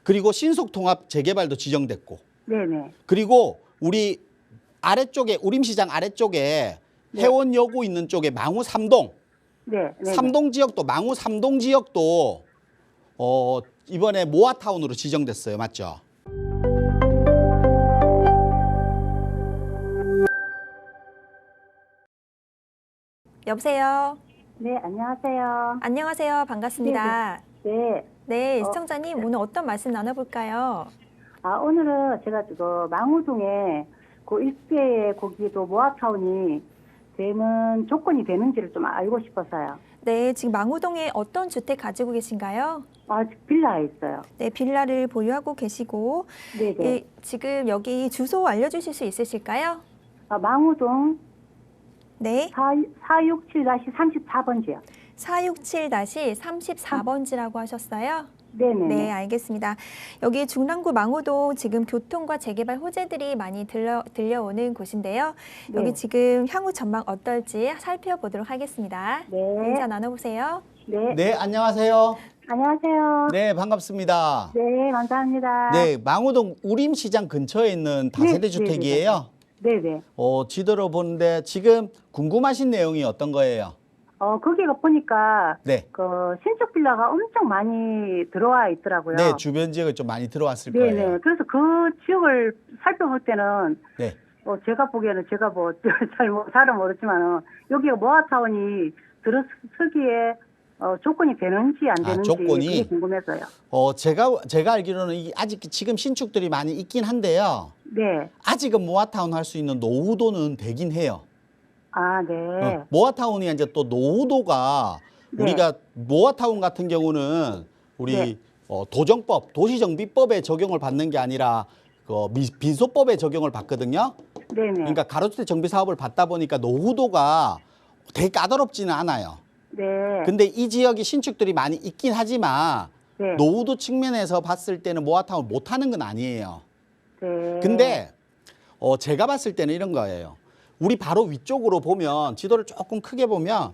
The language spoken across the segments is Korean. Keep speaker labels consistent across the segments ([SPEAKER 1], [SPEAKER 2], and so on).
[SPEAKER 1] 그리고 신속통합 재개발도 지정됐고.
[SPEAKER 2] 네네.
[SPEAKER 1] 그리고 우리 아래쪽에 우림시장 아래쪽에
[SPEAKER 2] 네.
[SPEAKER 1] 해원여고 있는 쪽에 망우 3동.
[SPEAKER 2] 네. 네.
[SPEAKER 1] 3동 지역도 망우 3동 지역도 이번에 모아타운으로 지정됐어요. 맞죠?
[SPEAKER 3] 여보세요.
[SPEAKER 2] 네, 안녕하세요.
[SPEAKER 3] 안녕하세요. 반갑습니다.
[SPEAKER 2] 네.
[SPEAKER 3] 네, 시청자님 오늘 어떤 말씀 나눠볼까요?
[SPEAKER 2] 오늘은 제가 망우동에 그 일대에 거기도 모아타운이 되는 조건이 되는지를 좀 알고 싶어서요.
[SPEAKER 3] 네, 지금 망우동에 어떤 주택 가지고 계신가요?
[SPEAKER 2] 빌라에 있어요.
[SPEAKER 3] 네, 빌라를 보유하고 계시고
[SPEAKER 2] 네네.
[SPEAKER 3] 지금 여기 주소 알려주실 수 있으실까요?
[SPEAKER 2] 망우동
[SPEAKER 3] 네,
[SPEAKER 2] 467-34번지요.
[SPEAKER 3] 467-34번지라고 하셨어요?
[SPEAKER 2] 네네.
[SPEAKER 3] 네, 알겠습니다. 여기 중랑구 망우동 지금 교통과 재개발 호재들이 많이 들려오는 곳인데요.
[SPEAKER 2] 네.
[SPEAKER 3] 여기 지금 향후 전망 어떨지 살펴보도록 하겠습니다.
[SPEAKER 2] 네.
[SPEAKER 3] 인사 나눠보세요.
[SPEAKER 2] 네.
[SPEAKER 1] 네, 안녕하세요.
[SPEAKER 2] 안녕하세요.
[SPEAKER 1] 네, 반갑습니다.
[SPEAKER 2] 네, 감사합니다.
[SPEAKER 1] 네, 망우동 우림시장 근처에 있는 다세대
[SPEAKER 2] 네,
[SPEAKER 1] 주택이에요.
[SPEAKER 2] 네네.
[SPEAKER 1] 지도로 보는데 지금 궁금하신 내용이 어떤 거예요?
[SPEAKER 2] 거기가 보니까
[SPEAKER 1] 네.
[SPEAKER 2] 신축 빌라가 엄청 많이 들어와 있더라고요.
[SPEAKER 1] 네, 주변 지역에 좀 많이 들어왔을
[SPEAKER 2] 네네.
[SPEAKER 1] 거예요.
[SPEAKER 2] 그래서 그 지역을 살펴볼 때는
[SPEAKER 1] 네.
[SPEAKER 2] 제가 보기에는 제가 잘은 모르지만은 여기가 모아타운이 들어서기에 조건이 되는지 안 되는지
[SPEAKER 1] 조건이?
[SPEAKER 2] 그게 궁금해서요.
[SPEAKER 1] 제가 알기로는 아직 지금 신축들이 많이 있긴 한데요.
[SPEAKER 2] 네.
[SPEAKER 1] 아직은 모아타운 할 수 있는 노후도는 되긴 해요.
[SPEAKER 2] 네.
[SPEAKER 1] 모아타운이 이제 또 노후도가
[SPEAKER 2] 네.
[SPEAKER 1] 우리가 모아타운 같은 경우는 우리
[SPEAKER 2] 네.
[SPEAKER 1] 도정법, 도시정비법에 적용을 받는 게 아니라 민소법에 적용을 받거든요.
[SPEAKER 2] 네네.
[SPEAKER 1] 그러니까 가로주택 정비 사업을 받다 보니까 노후도가 되게 까다롭지는 않아요.
[SPEAKER 2] 네.
[SPEAKER 1] 근데 이 지역이 신축들이 많이 있긴 하지만
[SPEAKER 2] 네.
[SPEAKER 1] 노후도 측면에서 봤을 때는 모아타운 못하는 건 아니에요.
[SPEAKER 2] 네.
[SPEAKER 1] 근데 제가 봤을 때는 이런 거예요. 우리 바로 위쪽으로 보면 지도를 조금 크게 보면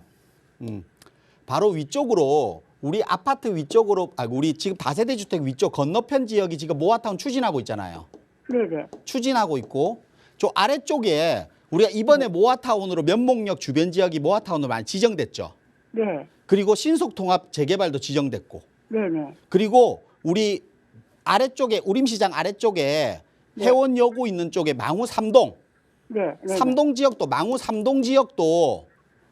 [SPEAKER 1] 바로 위쪽으로 우리 아파트 위쪽으로 우리 지금 다세대 주택 위쪽 건너편 지역이 지금 모아타운 추진하고 있잖아요.
[SPEAKER 2] 네네.
[SPEAKER 1] 추진하고 있고 저 아래쪽에 우리가 이번에 모아타운으로 면목역 주변 지역이 모아타운으로 많이 지정됐죠.
[SPEAKER 2] 네.
[SPEAKER 1] 그리고 신속통합 재개발도 지정됐고
[SPEAKER 2] 네네.
[SPEAKER 1] 그리고 우리 아래쪽에 우림시장 아래쪽에
[SPEAKER 2] 네.
[SPEAKER 1] 해원여고 있는 쪽에 망우 3동
[SPEAKER 2] 네. 네.
[SPEAKER 1] 3동 지역도 망우 3동 지역도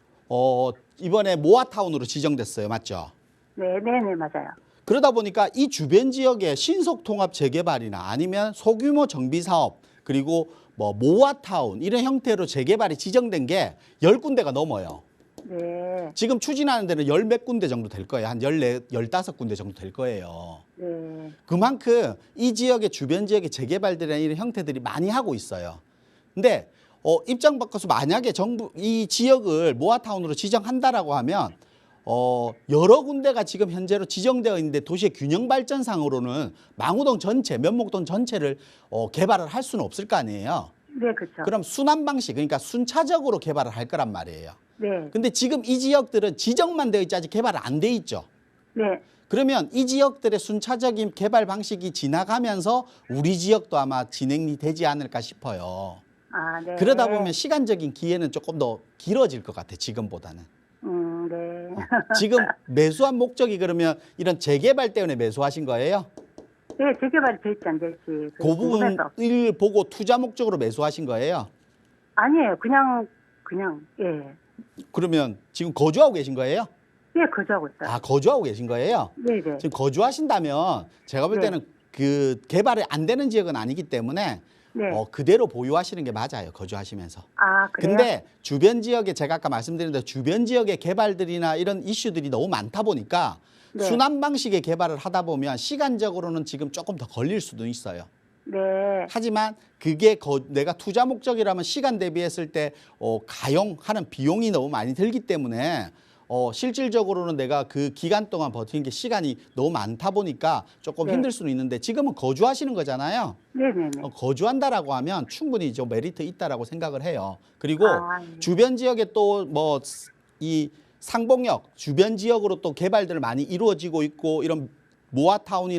[SPEAKER 1] 이번에 모아타운으로 지정됐어요. 맞죠?
[SPEAKER 2] 네네 맞아요.
[SPEAKER 1] 그러다 보니까 이 주변 지역에 신속통합 재개발이나 아니면 소규모 정비사업 그리고 모아타운 이런 형태로 재개발이 지정된 게 10군데가 넘어요.
[SPEAKER 2] 네.
[SPEAKER 1] 지금 추진하는 데는 열 몇 군데 정도 될 거예요. 한 14, 15군데 정도 될 거예요.
[SPEAKER 2] 네.
[SPEAKER 1] 그만큼 이 지역의 주변 지역의 재개발들이나 이런 형태들이 많이 하고 있어요. 근데 입장 바꿔서 만약에 정부 이 지역을 모아타운으로 지정한다라고 하면 여러 군데가 지금 현재로 지정되어 있는데 도시의 균형 발전상으로는 망우동 전체, 면목동 전체를 개발을 할 수는 없을 거 아니에요.
[SPEAKER 2] 네, 그렇죠.
[SPEAKER 1] 그럼 순환 방식, 그러니까 순차적으로 개발을 할 거란 말이에요.
[SPEAKER 2] 네.
[SPEAKER 1] 근데 지금 이 지역들은 지정만 되어 있지 아직 개발이 안 돼 있죠.
[SPEAKER 2] 네.
[SPEAKER 1] 그러면 이 지역들의 순차적인 개발 방식이 지나가면서 우리 지역도 아마 진행이 되지 않을까 싶어요.
[SPEAKER 2] 네.
[SPEAKER 1] 그러다 보면 시간적인 기회는 조금 더 길어질 것 같아, 지금보다는.
[SPEAKER 2] 네.
[SPEAKER 1] 지금 매수한 목적이 그러면 이런 재개발 때문에 매수하신 거예요?
[SPEAKER 2] 네, 재개발이 될지 안 될지.
[SPEAKER 1] 그 부분을 보고 투자 목적으로 매수하신 거예요?
[SPEAKER 2] 아니에요. 그냥, 예.
[SPEAKER 1] 그러면 지금 거주하고 계신 거예요?
[SPEAKER 2] 예, 거주하고 있어요.
[SPEAKER 1] 거주하고 계신 거예요?
[SPEAKER 2] 네네.
[SPEAKER 1] 지금 거주하신다면 제가 볼
[SPEAKER 2] 네.
[SPEAKER 1] 때는 그 개발이 안 되는 지역은 아니기 때문에
[SPEAKER 2] 네.
[SPEAKER 1] 그대로 보유하시는 게 맞아요. 거주하시면서.
[SPEAKER 2] 그래요?
[SPEAKER 1] 근데 주변 지역에 제가 아까 말씀드린 대로 주변 지역의 개발들이나 이런 이슈들이 너무 많다 보니까
[SPEAKER 2] 네.
[SPEAKER 1] 순환 방식의 개발을 하다 보면 시간적으로는 지금 조금 더 걸릴 수도 있어요.
[SPEAKER 2] 네.
[SPEAKER 1] 하지만 그게 내가 투자 목적이라면 시간 대비했을 때 가용하는 비용이 너무 많이 들기 때문에 실질적으로는 내가 그 기간 동안 버티는 게 시간이 너무 많다 보니까 조금
[SPEAKER 2] 네.
[SPEAKER 1] 힘들 수는 있는데 지금은 거주하시는 거잖아요.
[SPEAKER 2] 네네네.
[SPEAKER 1] 거주한다라고 하면 충분히 좀 메리트 있다라고 생각을 해요. 그리고
[SPEAKER 2] 네.
[SPEAKER 1] 주변 지역에 또 이 상봉역 주변 지역으로 또 개발들 많이 이루어지고 있고 이런 모아타운이나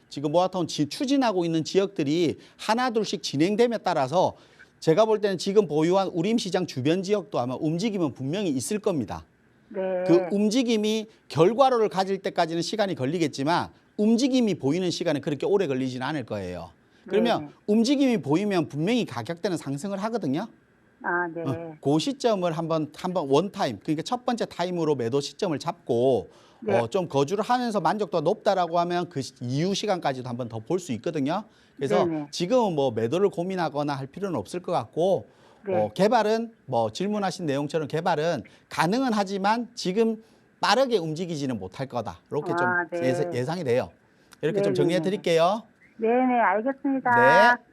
[SPEAKER 1] 지금 모아타운 추진하고 있는 지역들이 하나 둘씩 진행됨에 따라서 제가 볼 때는 지금 보유한 우림시장 주변 지역도 아마 움직임은 분명히 있을 겁니다.
[SPEAKER 2] 네.
[SPEAKER 1] 그 움직임이 결과로를 가질 때까지는 시간이 걸리겠지만 움직임이 보이는 시간은 그렇게 오래 걸리지는 않을 거예요. 그러면
[SPEAKER 2] 네.
[SPEAKER 1] 움직임이 보이면 분명히 가격대는 상승을 하거든요.
[SPEAKER 2] 아, 네.
[SPEAKER 1] 그 시점을 한번 원타임, 그러니까 첫 번째 타임으로 매도 시점을 잡고
[SPEAKER 2] 네.
[SPEAKER 1] 좀 거주를 하면서 만족도가 높다라고 하면 그 이후 시간까지도 한번 더 볼 수 있거든요. 그래서
[SPEAKER 2] 네네.
[SPEAKER 1] 지금은 뭐 매도를 고민하거나 할 필요는 없을 것 같고
[SPEAKER 2] 네.
[SPEAKER 1] 개발은 뭐 질문하신 내용처럼 개발은 가능은 하지만 지금 빠르게 움직이지는 못할 거다. 이렇게 좀
[SPEAKER 2] 네.
[SPEAKER 1] 예상이 돼요. 이렇게 좀
[SPEAKER 2] 네네네.
[SPEAKER 1] 정리해 드릴게요.
[SPEAKER 2] 네네, 알겠습니다.
[SPEAKER 1] 네.